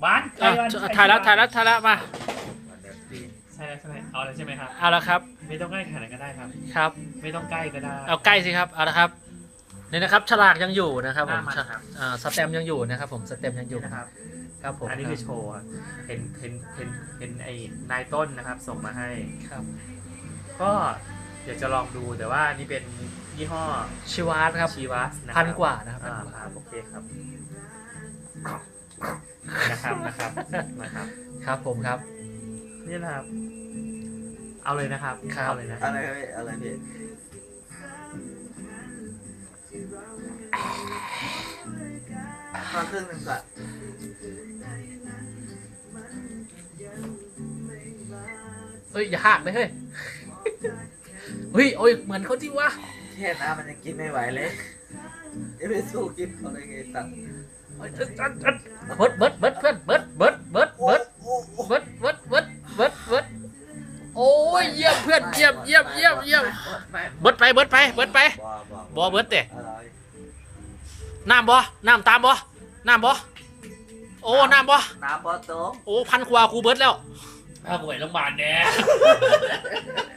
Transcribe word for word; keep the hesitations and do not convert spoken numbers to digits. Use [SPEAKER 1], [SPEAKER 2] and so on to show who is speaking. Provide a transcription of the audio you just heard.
[SPEAKER 1] บ้านใกล้บ้าน
[SPEAKER 2] ถ่ายแล้วถ่ายแล้วถ่ายแล้วมา
[SPEAKER 1] ใช่แล้วใช่ไหมเอาแล้วใช่ไหมครับ
[SPEAKER 2] เอาละครับ
[SPEAKER 1] ไม่ต้องใกล้ขนาดนั้นก็ได้ครับ
[SPEAKER 2] ครับ
[SPEAKER 1] ไม่ต้องใกล้ก็ได้
[SPEAKER 2] เอาใกล้สิครับเอาละครับนี่นะครับฉลากยังอยู่นะครับผม
[SPEAKER 1] หน้ามันครับ
[SPEAKER 2] อ่าสแตมป์ยังอยู่นะครับผมสแตมป์ยังอยู่
[SPEAKER 1] นะครับ
[SPEAKER 2] ครับผม
[SPEAKER 1] อันนี้คือโชว์อะเห็นเห็นเห็นเห็นไอ้นายต้นนะครับส่งมาให้
[SPEAKER 2] ครับ
[SPEAKER 1] ก็อยากจะลองดูแต่ว่านี่เป็นยี่ห้อ
[SPEAKER 2] ชิวาร์ครับ
[SPEAKER 1] ชีวัสนะค
[SPEAKER 2] พั
[SPEAKER 1] รับ
[SPEAKER 2] นกว่านะครับ
[SPEAKER 1] อ่าครับโอเคครับนะครับนะครับนะครับ
[SPEAKER 2] ครับผมครับ
[SPEAKER 1] นี่นะครับ เอาเลยนะครับ
[SPEAKER 2] ครับ
[SPEAKER 1] เอาเลยนะ
[SPEAKER 3] อะไรพี่อะไรพี่มาครึ่งหนึ่งก่อน
[SPEAKER 2] เฮ้ยอย่าหักเลยเฮ้ยเฮ้ยโอ้ยเหมือนเขาจริงวะ
[SPEAKER 3] แค่น้ำมันยังกินไม่ไหวเลยจะไปสู้กินเขาได้ไงตัด
[SPEAKER 2] เฮ้ยเอิ๊ดเอิ๊ดเอิ๊ดเบิร์ดเบิร์ดเบิร์ดเพื่อนเบิร์ดเบิร์ดเบิร์ดเบิร์ด
[SPEAKER 3] โอ้โห
[SPEAKER 2] เบิร์ดเบิร์ดเบิร์ดเบิร์ดเบิร์ดโอ้ยเยี่ยมเพื่อนเยี่ยมเยี่ยมเยี่ยมเยี่ยม
[SPEAKER 3] ไม่
[SPEAKER 2] เบิร์ดไปเบิร์ดไปเบิร์ดไป
[SPEAKER 3] บ่บ่
[SPEAKER 2] บ่เบิดเตะ
[SPEAKER 3] อะไร
[SPEAKER 2] น้ำบ่น้ำตามบ่น้ำบ่โอ้น้ำบ่
[SPEAKER 3] น้ำบ่โต๊ะ
[SPEAKER 2] โอ้พันกว่ากูเบิร์ดแล้ว
[SPEAKER 1] ถ้าป่วยโรงพยาบาลแน่